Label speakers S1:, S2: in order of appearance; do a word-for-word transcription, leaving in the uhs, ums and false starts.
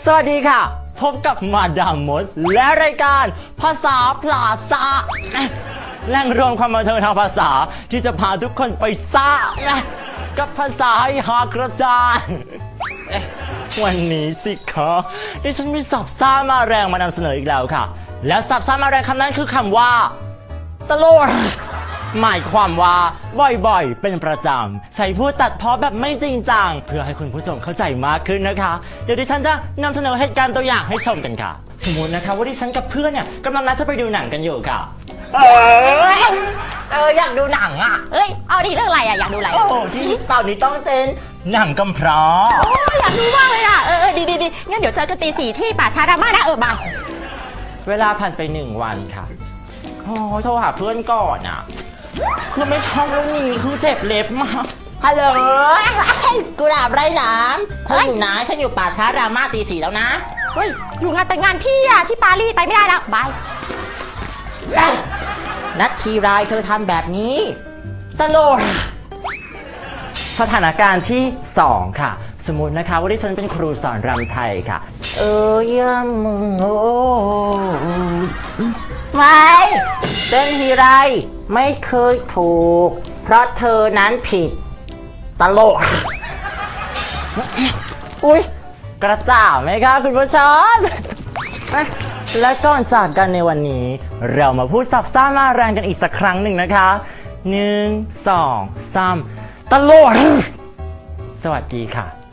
S1: สวัสดีค่ะพบกับมาดามมดและรายการภาษาพลาซ่าแหล่งรวมความบันเทิงทางภาษาที่จะพาทุกคนไปซ่ากับภาษาให้หากระจายวันนี้สิคะดิฉันมีสับซ่ามาแรงมานำเสนออีกแล้วค่ะและสับซ่ามาแรงคำนั้นคือคำว่าตลกหมายความว่าบ่อยๆเป็นประจำใช้พูดตัดพ้อแบบไม่จริงจังเพื่อให้คุณผู้ชมเข้าใจมากขึ้นนะคะเดี๋ยวดิฉันจะนำเสนอเหตุการณ์ตัวอย่างให้ชมกันค่ะสมมตินะคะว่าดิฉันกับเพื่อนเนี่ยกำลังนัดจะไปดูหนังกันอยู่ค่ะเออเอออยากดูหนังอ่ะ
S2: เอ้ยเอาดีเรื่องอะไรอ่ะอยากดูอะไร
S1: โอ้ที่ตอนนี้ต้องเต้นหนังกำพร้า
S2: โอ้อยากดูมากเลยอ่ะเออเออดีดีดีงั้นเดี๋ยวเจอกันตีสี่ที่ป่าช้าดราม่านะเออมา
S1: เวลาผ่านไปหนึ่งวันค่ะโอ้โทรหาเพื่อนก่อนอ่ะคือไม่ชอบเรื่องนี้คือเจ็บเล็บมากฮัลโหลกุหลาบไร้หนามเธออยู่ไหนฉันอยู่ป่าช้าดราม่าตีสี่แล้วนะ
S2: เฮ้ยอยู่งานแต่งงานพี่อ่ะที่ปารีสไปไม่ได้แล้วบาย
S1: นัดทีไรเธอทำแบบนี้ตลกสถานการณ์ที่สองค่ะสมมตินะคะว่าที่ฉันเป็นครูสอนรำไทยค่ะเออยำมึงโอ้ไม่เต้นทีไรไม่เคยถูกเพราะเธอนั้นผิดตลกอุ๊ยกระจ่างไหมคะคุณผู้ชมและก่อนจากกันในวันนี้เรามาพูดสับซ่ามาแรงกันอีกสักครั้งหนึ่งนะคะหนึ่งสองสามตลกสวัสดีค่ะ